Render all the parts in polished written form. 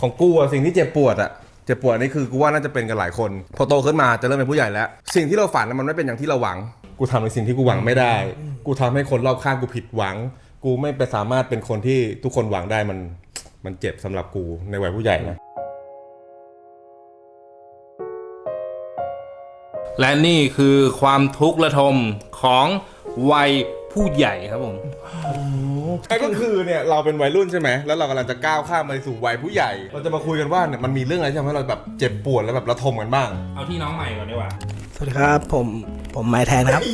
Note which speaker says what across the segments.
Speaker 1: ของกูอะสิ่งที่เจ็บปวดนี่คือกูว่าน่าจะเป็นกันหลายคนพอโตขึ้นมาจะเริ่มเป็นผู้ใหญ่แล้วสิ่งที่เราฝันมันไม่เป็นอย่างที่เราหวังกูทำในสิ่งที่กูหวังไม่ได้กูทำให้คนรอบข้างกูผิดหวังกูไม่ไปสามารถเป็นคนที่ทุกคนหวังได้มันเจ็บสำหรับกูในวัยผู้ใหญ่นะ
Speaker 2: และนี่คือความทุกข์ระทมของวัยผู้ใหญ่ครับผม
Speaker 1: ก็คือเนี่ยเราเป็นวัยรุ่นใช่ไหมแล้วเรากำลังจะก้าวข้ามไปสู่วัยผู้ใหญ่เราจะมาคุยกันว่าเนี่ยมันมีเรื่องอะไรที่ทำให้เราแบบเจ็บปวดแล้วแบบระทมกันบ้าง
Speaker 2: เอาที่น้องใหม่ก่อนดีกว่า
Speaker 3: สวัสดีครับผมไมค์แทนครับ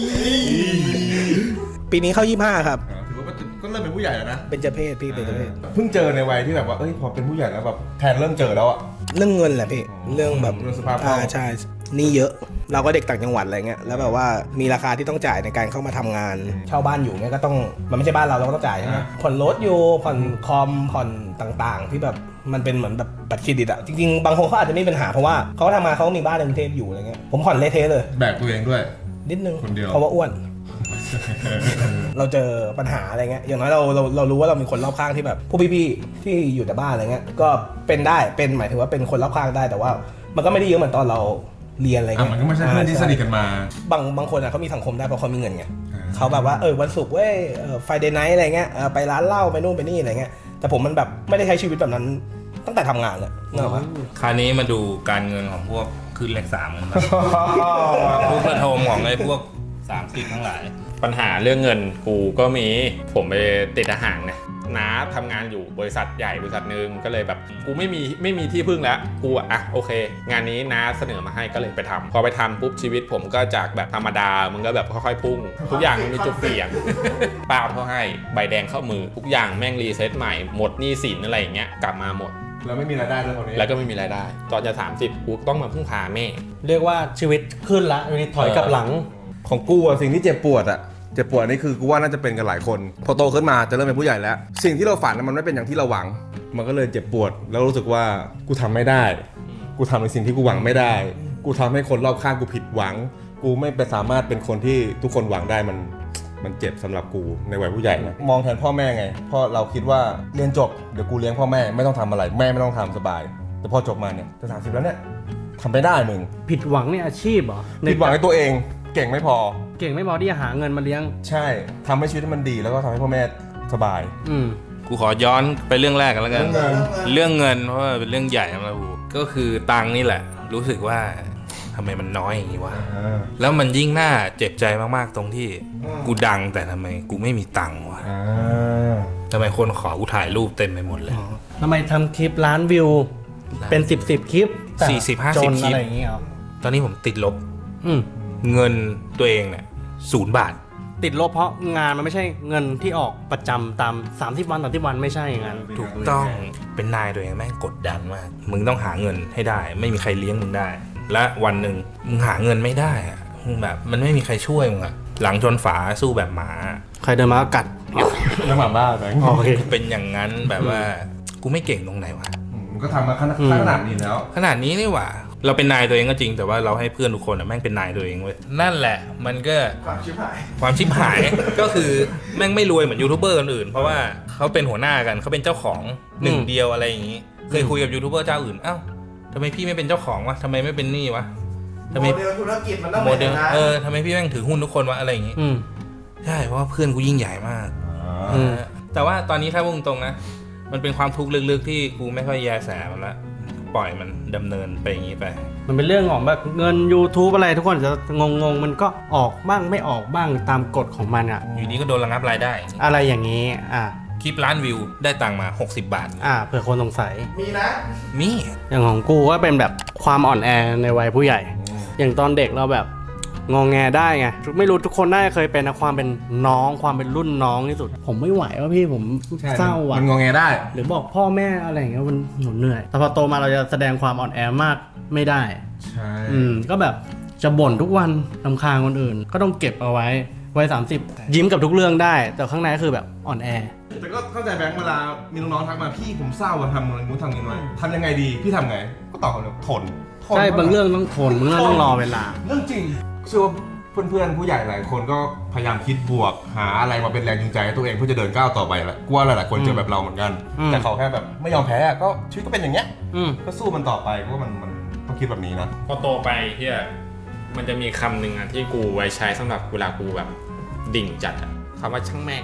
Speaker 3: ปีนี้เข้า25ครับ
Speaker 1: ถือว่าก็เริ่มเป็นผู้ใหญ่แล้วนะ
Speaker 3: เป็นเจเพศพี่เป็นเจเพศ
Speaker 1: เพิ่งเจอในวัยที่แบบว่าพอเป็นผู้ใหญ่แล้วแบบแทนเริ่มเจอแล้วอะ
Speaker 3: เรื่องเงินแหละพี่เรื่องแบบ
Speaker 1: เรื่องสภาพ
Speaker 3: ใช่นี่เยอะเราก็เด็กต่างจังหวัดอะไรเงี้ยแล้วแบบว่ามีราคาที่ต้องจ่ายในการเข้ามาทำงานเช่าบ้านอยู่เนี่ยก็ต้องมันไม่ใช่บ้านเราก็ต้องจ่ายใช่ไหมผ่อนรถอยู่ผ่อนคอมผ่อนต่างๆที่แบบมันเป็นเหมือนแบบบัตรเครดิตอะจริงๆบางคนเขาอาจจะไม่มีปัญหาเพราะว่าเขาทำมาเขามีบ้านในกรุงเทพอยู่อะไรเงี้ยผมผ่อนเละเทะเลย
Speaker 1: แบกตัวเองด้วย
Speaker 3: นิดนึง
Speaker 1: คนเดียว
Speaker 3: เพราะว่าอ้วน เราเจอปัญหาอะไรเงี้ยอย่างน้อยเรารู้ว่าเรามีคนรอบข้างที่แบบผู้พี่ๆที่อยู่แต่บ้านอะไรเงี้ยก็เป็นได้เป็นหมายถึงว่าเป็นคนรอบข้างได้แต่ว่ามันก็ไม่ได้เยอะเหมือนตอนเราเรียนอะไรเงี้ย
Speaker 1: มันก็ไม่ใช่เพื่อนที่สนิทกันมา
Speaker 3: บางคนเขามีสังคมได้เพราะเขามีเงินไงเขาแบบว่าวันศุกร์เว้ยไฟเดย์ไนท์อะไรเงี้ยไปร้านเหล้าไปนู่นไปนี่อะไรเงี้ยแต่ผมมันแบบไม่ได้ใช้ชีวิตแบบนั้นตั้งแต่ทำงานเลยเนอะวะ
Speaker 2: คราวนี้มาดูการเงินของพวกขึ้นเลข3กันครับทุกระทมของไอ้พวก30ทั้งหลาย
Speaker 4: ปัญหาเรื่องเงินกูก็มีผมไปติดทหารนะน้าทำงานอยู่บริษัทใหญ่บริษัทนึงก็เลยแบบกูไม่มีที่พึ่งแล้วกูโอเคงานนี้น้าเสนอมาให้ก็เลยไปทำพอไปทำปุ๊บชีวิตผมก็จากแบบธรรมดามันก็แบบค่อยๆพุ่งทุกอย่างมันมีจุดเปลี่ยนป้าเขาให้ใบแดงเข้ามือทุกอย่างแม่งรีเซ็ตใหม่หมดหนี้สินอะไรอย่างเงี้ยกลับมาหมด
Speaker 1: แล้วไม่มีรายได้เลยคนนี้
Speaker 4: แล้วก็ไม่มีรายได้ตอนจะ30กูต้องมาพึ่งพาแม่
Speaker 5: เรียกว่าชีวิตขึ้นละถอยกลับหลัง
Speaker 1: ของกูอะสิ่งที่เจ็บปวดนี่คือกูว่าน่าจะเป็นกันหลายคนพอโตขึ้นมาจะเริ่มเป็นผู้ใหญ่แล้วสิ่งที่เราฝันมันไม่เป็นอย่างที่เราหวังมันก็เลยเจ็บปวดแล้วรู้สึกว่ากูทำไม่ได้กูทำในสิ่งที่กูหวังไม่ได้กูทำให้คนรอบข้างกูผิดหวังกูไม่ไปสามารถเป็นคนที่ทุกคนหวังได้มันเจ็บสำหรับกูในวัยผู้ใหญ่นะมองแทนพ่อแม่ไงเพราะเราคิดว่าเรียนจบเดี๋ยวกูเลี้ยงพ่อแม่ไม่ต้องทำอะไรแม่ไม่ต้องทำสบายแต่พอจบมาเนี่ยจะ30แล้วเนี่ยทำไม่ได้มึง
Speaker 5: ผิดหวังในอาชีพเหรอ
Speaker 1: ผิดหวังในตัวเองเก่งไม่พอ
Speaker 5: ที่จะหาเงินมาเลี้ยง
Speaker 1: ใช่ทำให้ชีวิตมันดีแล้วก็ทำให้พ่อแม่สบาย
Speaker 2: กูขอย้อนไปเรื่องแรกกันแล้วกันเรื่องเงินเพราะว่าเป็นเรื่องใหญ่นะกูก็คือตังค์นี่แหละรู้สึกว่าทำไมมันน้อยอย่างนี้วะแล้วมันยิ่งน่าเจ็บใจมากๆตรงที่กูดังแต่ทำไมกูไม่มีตังค์วะทำไมคนขอกูถ่ายรูปเต็มไปหมดเลย
Speaker 5: ทำไมทำคลิปล้านวิวเป็น10คลิป
Speaker 2: 40-50 คลิป
Speaker 5: อะไรอย่างเงี้ย
Speaker 2: ตอนนี้ผมติดลบเงินตัวเองเนี่ย0 บาท
Speaker 5: ติดลบเพราะงานมันไม่ใช่เงินที่ออกประจำตาม30 วันไม่ใช่อย่างนั้น
Speaker 2: ถูกต้องเป็นนายตัวเองแม่งกดดันมากมึงต้องหาเงินให้ได้ไม่มีใครเลี้ยงมึงได้และวันหนึ่งมึงหาเงินไม่ได้อะมึงแบบมันไม่มีใครช่วยมึงอะหลังชนฝาสู้แบบหมา
Speaker 5: ใครเดินมากัด
Speaker 1: แล้วหมาบ้าแบงค์
Speaker 2: เป็นอย่างนั้นแบบว่ากูไม่เก่งตรงไหนวะ
Speaker 1: ก็ทำมาขนาดนี้แล้ว
Speaker 2: ขนาดนี้นี่หว่าเราเป็นนายตัวเองก็จริงแต่ว่าเราให้เพื่อนทุกคนแม่งเป็นนายตัวเองเว้ยนั่นแหละมันก็ความชิบหาย ก็คือแม่งไม่รวยเหมือนยูทูบเบอร์คนอื่นเพราะว่าเขาเป็นหัวหน้ากันเขาเป็นเจ้าของหนึ่งเดียวอะไรอย่างนี้เคยคุยกับยูทูบเบอร์เจ้าอื่นเอ้าทำไมพี่ไม่เป็นเจ้าของวะทำไมไม่เป็นนี่วะ
Speaker 3: ทำไมโมเดลธุรกิจมันต้อง
Speaker 2: โมเดลทำไมพี่แม่งถือหุ้นทุกคนวะอะไรอย่างนี้ใช่เพราะว่าเพื่อนกูยิ่งใหญ่มากแต่ว่าตอนนี้ถ้าพูดตรงนะมันเป็นความทุกข์ลึกๆที่กูไม่ค่อยแยแสมันละปล่อยมันดำเนินไปอย่างนี้ไป
Speaker 5: มันเป็นเรื่องของแบบเงิน YouTube อะไรทุกคนจะงงมันก็ออกบ้างไม่ออกบ้างตามกฎของมันอ่ะ
Speaker 2: อยู่นี้ก็โดนระงับรายได้
Speaker 5: อะไรอย่างนี้
Speaker 2: คลิปล้านวิวได้ตังค์มา60 บาท
Speaker 5: เผื่อคนสงสัย
Speaker 3: มีนะ
Speaker 2: มี
Speaker 5: อย่างของกูก็เป็นแบบความอ่อนแอในวัยผู้ใหญ่อย่างตอนเด็กเราแบบงงแงได้ไงไม่รู้ทุกคนน่าจะเคยเป็นนะความเป็นน้องความเป็นรุ่นน้องที่สุดผมไม่ไหวว่าพี่ผมเศร้าอ่ะ
Speaker 1: มันงงแงได้
Speaker 5: หรือบอกพ่อแม่อะไรอย่างเงี้ยมันเหนื่อยแต่พอโตมาเราจะแสดงความอ่อนแอมากไม่ได้
Speaker 1: ใช่
Speaker 5: ก็แบบจะบ่นทุกวันรำคาญคนอื่นก็ต้องเก็บเอาไว้30ยิ้มกับทุกเรื่องได้แต่ข้างในก็คือแบบอ่อนแอ
Speaker 1: แต่ก็เข้าใจแบงค์เวลามีน้องๆทักมาพี่ผมเศร้าทำอะไรกูทำยังไงทำยังไงดีพี่ทำไงก็ตอบเขาเลยทน
Speaker 5: ใช่บางเรื่องต้องทนบางเรื่องต้องรอเวลา
Speaker 1: เรื่องจริงเชื่อว่าเพื่อนๆผู้ใหญ่หลายคนก็พยายามคิดบวกหาอะไรมาเป็นแรงจูงใจให้ตัวเองเพื่อจะเดินก้าวต่อไปแหละกูว่าหลายๆคนเจอแบบเราเหมือนกัน แต่เขาแค่แบบไม่ยอมแพ้ก็ชีวิตก็เป็นอย่างเงี้ยก็สู้มันต่อไปเพราะว่ามันต้องคิดแบบนี้นะ
Speaker 4: พอโตไปเฮียมันจะมีคำหนึ่งอะที่กูไว้ใช้สำหรับเวลากูแบบดิ่งจัดอะคำว่าช่างแม่ง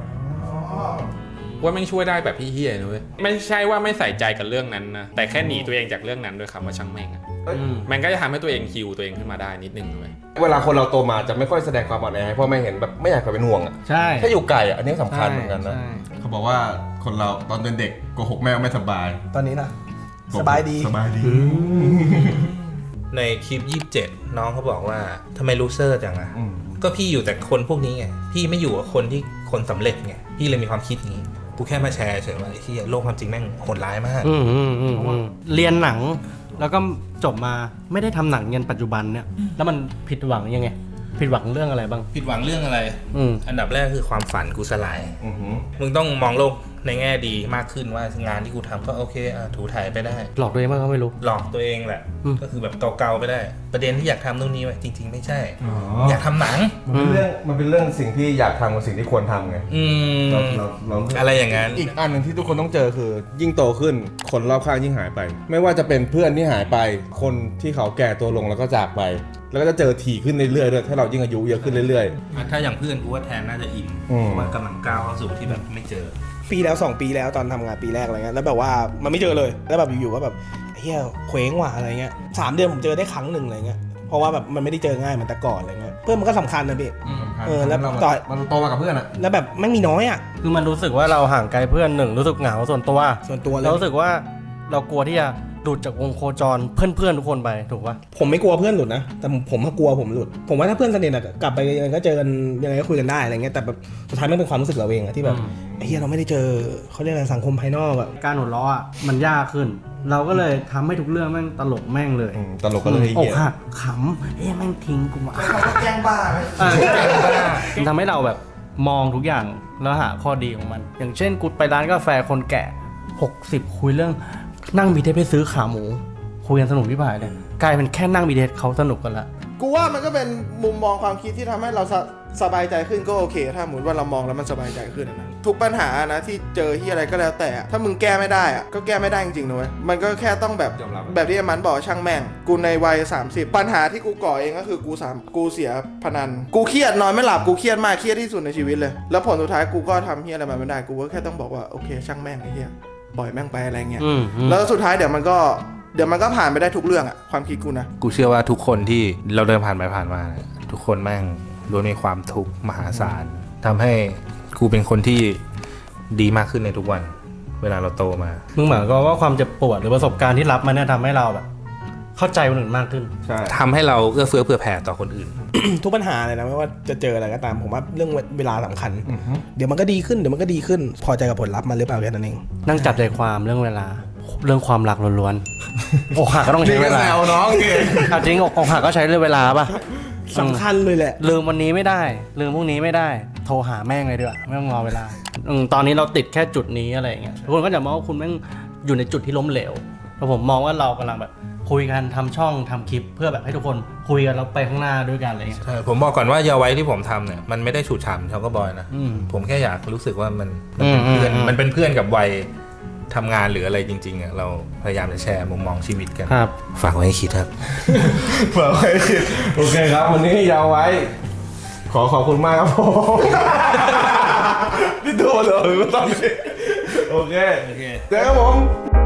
Speaker 4: ว่าแม่งช่วยได้แบบพี่เฮียนะเว้ยไม่ใช่ว่าไม่ใส่ใจกับเรื่องนั้นนะแต่แค่หนีตัวเองจากเรื่องนั้นด้วยคำว่าช่างแม่งอะมันก็จะทำให้ตัวเองฮิวตัวเองขึ้นมาได้นิดนึงเลย
Speaker 1: เวลาคนเราโตมาจะไม่ค่อยแสดงความอ่อนแอให้พ่อแม่เห็นแบบไม่อยากเป็นห่วงอ่ะ
Speaker 5: ใช่
Speaker 1: ถ้าอยู่ไกลอ่ะอันนี้สำคัญเหมือนกันนะ
Speaker 5: ใช่
Speaker 1: เขาบอกว่าคนเราตอนเป็นเด็กโกหกแม่ไม่สบาย
Speaker 3: ตอนนี้นะสบายดี
Speaker 1: สบายดี
Speaker 2: ในคลิป 27 น้องเขาบอกว่าทำไมลูเซอร์จังอะก็พี่อยู่แต่คนพวกนี้ไงพี่ไม่อยู่กับคนที่คนสำเร็จไงพี่เลยมีความคิดนี้กูแค่มาแชร์เฉยว่าไอ้ที่โลกความจริงแม่งโหดร้ายมาก
Speaker 5: เรียนหนังแล้วก็จบมาไม่ได้ทำหนังยันปัจจุบันเนี่ยแล้วมันผิดหวังยังไง ผิดหวังเรื่องอะไรบ้าง
Speaker 2: ผิดหวังเรื่องอะไร อันดับแรกคือความฝันกูสลาย มึงต้องมองโลกในแง่ดีมากขึ้นว่างานที่กูทำก็โอเคถูถ่ายไปได้
Speaker 5: หลอกตัวเองมากก็ไม่รู้
Speaker 2: หลอกตัวเองแหละ ก็คือแบบเกาๆไปได้ ประเด็นที่อยากทำตรงนี้ไว้จริง ๆ ไม่ใช่ อยากทำหนัง
Speaker 1: มันเป็นเรื่องสิ่งที่อยากทำกับสิ่งที่ควรทำไงเรา
Speaker 2: อะไรอย่างนั้น
Speaker 1: อีกอันหนึ่งที่ทุกคนต้องเจอคือ ยิ่งโตขึ้นคนรอบข้างยิ่งหายไป ไม่ว่าจะเป็นเพื่อนที่หายไป คนที่เขาแก่ตัวลงแล้วก็จากไป แล้วก็จะเจอถี่ขึ้นเรื่อยๆด้วยถ้าเรายิ่งอายุเยอะขึ้นเรื่อย
Speaker 2: ถ้าอย่างเพื่อนกูว่าแทนน่าจะอิ่ม
Speaker 1: อืม
Speaker 2: เพราะว่ากำลังก้าวเข้าสู่ที่แบบไม่เจอ
Speaker 3: ปีแล้ว2 ปีแล้วตอนทำงานปีแรกอะไรเงี้ยแล้วแบบว่ามันไม่เจอเลยแล้วแบบอยู่ๆก็แบบเฮียเคว้งว่ะอะไรเงี้ย3 เดือนผมเจอได้ครั้งหนึ่งอะไรเงี้ยเพราะว่าแบบมันไม่ได้เจอง่ายเหมือนแต่ก่อนอะไรเงี้ยเพื่อนมันก็สำคัญนะพี่
Speaker 1: ๆ
Speaker 3: แล้ว
Speaker 1: เรา
Speaker 3: ต่อย
Speaker 1: มันโตมากับเพื่อนอะ
Speaker 3: แล้วแบบไม่มีน้อยอ่ะ
Speaker 5: คือมันรู้สึกว่าเราห่างไกลเพื่อนหนึ่งรู้สึกเหงาส่วนตัว
Speaker 3: ส่วนตัวเลย
Speaker 5: เรารู้สึกว่าเรากลัวที่จะหลุดจากวงโคจรเพื่อนๆทุกคนไปถูกปะ
Speaker 3: ผมไม่กลัวเพื่อนหลุดนะแต่ผมกลัวผมหลุดผมว่าถ้าเพื่อนสนิทอะกลับไปยังไงก็เจอกันยังไงก็คุยกันได้อะไรเงี้ยแต่แบบสุดท้ายมันเป็นความรู้สึกเราเองอะที่แบบไอ้เฮียเราไม่ได้เจอเขาเรียกอะไรสังคมภายนอกอะ
Speaker 5: การหัวเราะอ่ะมันยากขึ้น เราก็เลยทำให้ทุกเรื่องแม่งตลกแม่งเลย
Speaker 1: ตลกก็เลย
Speaker 5: อก
Speaker 1: เหี้ย
Speaker 5: หักขำแม่งทิ้งกูมา
Speaker 3: แกล้งบ้าไหม
Speaker 5: มันทำให้เราแบบมองทุกอย่างแล้วหาข้อดีของมัน อย่างเช่นกูไปร้านกาแฟคนแก่60คุยเรื่องนั่งบีเทสไปซื้อขาหมูคุยกันสนุกที่ผ่านเลยกลายเป็นแค่นั่งบีเทสเขาสนุกกันละ
Speaker 6: กูว่ามันก็เป็นมุมมองความคิดที่ทำให้เราสบายใจขึ้นก็โอเค ถ้าสมมติว่าเรามองแล้วมันสบายใจขึ้นนะทุกปัญหานะที่เจอที่อะไรก็แล้วแต่ถ้ามึงแก้ไม่ได้อะก็แก้ไม่ได้จริงๆนะเว้ยมันก็แค่ต้องแบบที่มันบอกช่างแม่งกูในวัย30ปัญหาที่กูก่อเองก็คือกูเสียพนันกูเครียดนอนไม่หลับกูเครียดมากเครียดที่สุดในชีวิตเลยแล้วผลสุดท้ายกูก็ทำเฮียอะไรมาไม่ได้กูก็แค่ต้องบอกว่าโอเคช่างแม่งไอ้เฮียปล่อยแม่งไปอะไรเงี้ยแล้วสุดท้ายเดี๋ยวมันก็ผ่านไปได้ทุกเรื่องอะความคิดกูนะ
Speaker 2: กูเชื่อว่าทุกคนที่เราเดินผ่านไปผ่านมา ทุกคนแม่งล้วนมีความทุกข์มหาศาลทำให้กูเป็นคนที่ดีมากขึ้นในทุกวัน เวลาเราโตมา
Speaker 5: มึงหมายก็ว่าความเจ็บปวดหรือประสบการณ์ที่รับมาเนี่ยทำให้เราแบบเข้าใจคนอื่นมากขึ้น
Speaker 1: ใช่
Speaker 2: ทำให้เราเอื้อเฟื้อเผื่อแผ่ต่อคนอื่น
Speaker 3: ทุกปัญหาเลยนะไม่ว่าจะเจออะไรก็ตามผมว่าเรื่องเวลาสำคัญเดี๋ยวมันก็ดีขึ้นพอใจกับผลลัพธ์มันหรือเปล่าแค่นั้นเอง
Speaker 5: นั่งจับใจความเรื่องเวลาเรื่องความรักล้วนๆ อกหักก็ต้องใช้เวลา
Speaker 1: แซวน้องเก่ง
Speaker 5: เอาจริงอกหักก็ใช้เวลาป่ะ
Speaker 3: สำคัญเลยแหละ
Speaker 5: ลืมวันนี้ไม่ได้ลืมพรุ่งนี้ไม่ได้โทรหาแม่งเลยดีกว่าไม่ต้องรอเวลาตอนนี้เราติดแค่จุดนี้อะไรอย่างเงี้ยทุกคนก็จะมองว่าคุณแม่งอยู่ในจุดที่ล้มเหลวแต่ผมมองว่าเรากำลังแบบคุยกันทำช่องทำคลิปเพื่อแบบให้ทุกคนคุยกันแล้วไปข้างหน้าด้วยกันอะไรเงี้ย
Speaker 2: ผมบอกก่อนว่าเยาไว้ที่ผมทำเนี่ยมันไม่ได้ฉูดฉ่ำชาวก็บอยนะ ผมแค่อยากรู้สึกว่ามันเป็นเพื่อนมันเป็นเพื่อนกับวัยทำงานหรืออะไรจริงๆอ่ะเราพยายามจะแชร์มุมมองชีวิตกัน
Speaker 5: ครับ
Speaker 2: ฝากไว้ให้คิดครับ
Speaker 1: เผื่อไว้โอเคครับวันนี้ยาวไว้ ขอบคุณมากครับผม นี่โดนเหรอตอนนี้โอเคเจอกันครับผม